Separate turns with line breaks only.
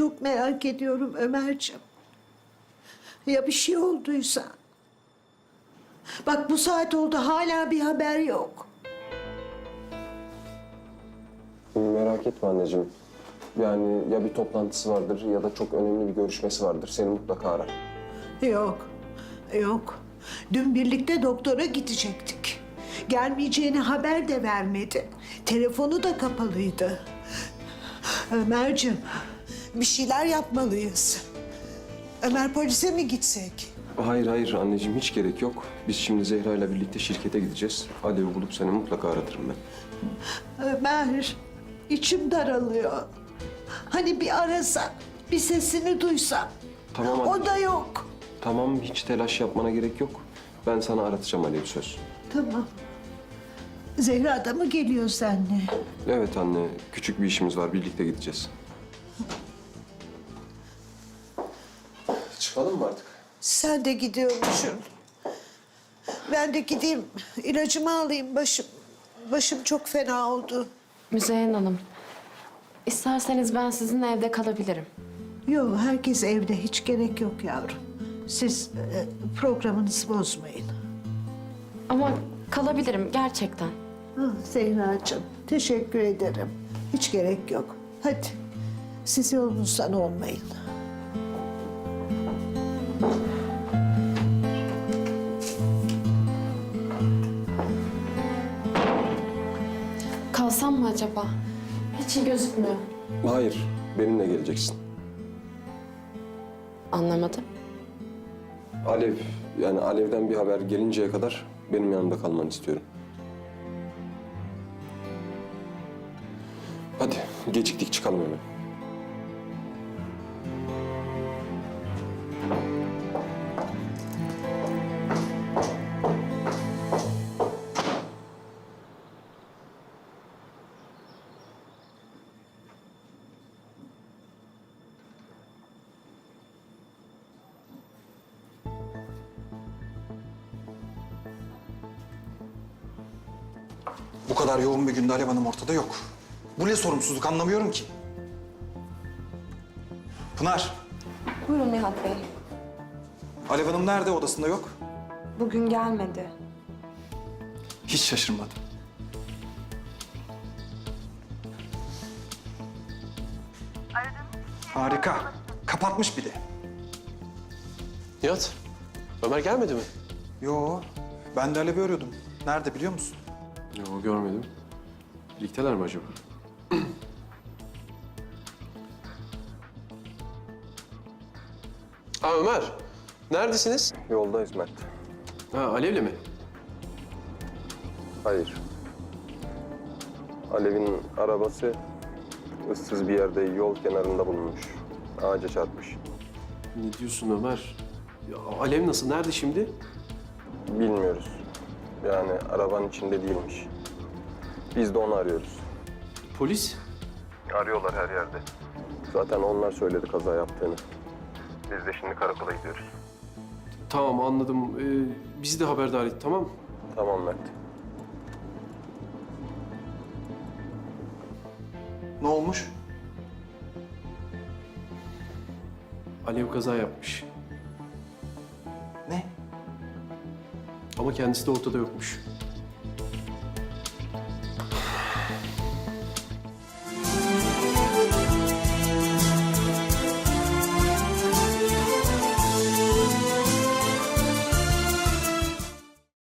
Çok merak ediyorum Ömerciğim. Ya bir şey olduysa? Bak bu saat oldu hala bir haber yok.
Merak etme anneciğim. Yani ya bir toplantısı vardır ya da çok önemli bir görüşmesi vardır. Seni mutlaka arar.
Yok, yok. Dün birlikte doktora gidecektik. Gelmeyeceğini haber de vermedi. Telefonu da kapalıydı. Ömerciğim, bir şeyler yapmalıyız. Ömer polise mi gitsek?
Hayır hayır anneciğim hiç gerek yok. Biz şimdi Zehra ile birlikte şirkete gideceğiz. Alev'i bulup seni mutlaka aratırım ben.
Ömer, içim daralıyor. Hani bir arasa, bir sesini duysam.
Tamam anne.
O da yok.
Tamam hiç telaş yapmana gerek yok. Ben sana aratacağım Alev'i söz.
Tamam. Zehra da mı geliyor seninle?
Evet anne küçük bir işimiz var birlikte gideceğiz. Çıkalım mı artık?
Sen de gidiyormuşsun. Ben de gideyim, ilacımı alayım. Başım çok fena oldu.
Müzeyyen Hanım, isterseniz ben sizinle evde kalabilirim.
Yok, herkes evde. Hiç gerek yok yavrum. Siz programınızı bozmayın.
Ama kalabilirim gerçekten.
Zehracığım, teşekkür ederim. Hiç gerek yok. Hadi, siz yolunuzdan olmayın.
Kalsam mı acaba? Hiç iyi gözükmüyor.
Hayır benimle geleceksin.
Anlamadım.
Alev yani Alev'den bir haber gelinceye kadar benim yanımda kalmanı istiyorum. Hadi geciktik çıkalım hemen.
Bu kadar yoğun bir günde Alev Hanım ortada yok. Bu ne sorumsuzluk anlamıyorum ki. Pınar,
Buyurun Nihat Bey.
Alev Hanım nerede? Odasında yok.
Bugün gelmedi.
Hiç şaşırmadım. Harika. Kapatmış bir de.
Nihat, Ömer gelmedi mi?
Yo, ben de Alev'i arıyordum. Nerede biliyor musun?
Yok görmedim. Birlikteler mi acaba?
Aa Ömer, neredesiniz?
Yoldayız Mert.
Ha Alev'le mi?
Hayır. Alev'in arabası ıssız bir yerde yol kenarında bulunmuş. Ağaca çarpmış.
Ne diyorsun Ömer? Ya, Alev nasıl, nerede şimdi?
Bilmiyoruz. Yani arabanın içinde değilmiş. Biz de onu arıyoruz.
Polis?
Arıyorlar her yerde. Zaten onlar söyledi kaza yaptığını. Biz de şimdi karakola gidiyoruz.
Tamam anladım. Bizi de haberdar et, tamam mı?
Tamam Mert.
Ne olmuş?
Alev kaza yapmış.
Ne?
Ama kendisi de ortada yokmuş.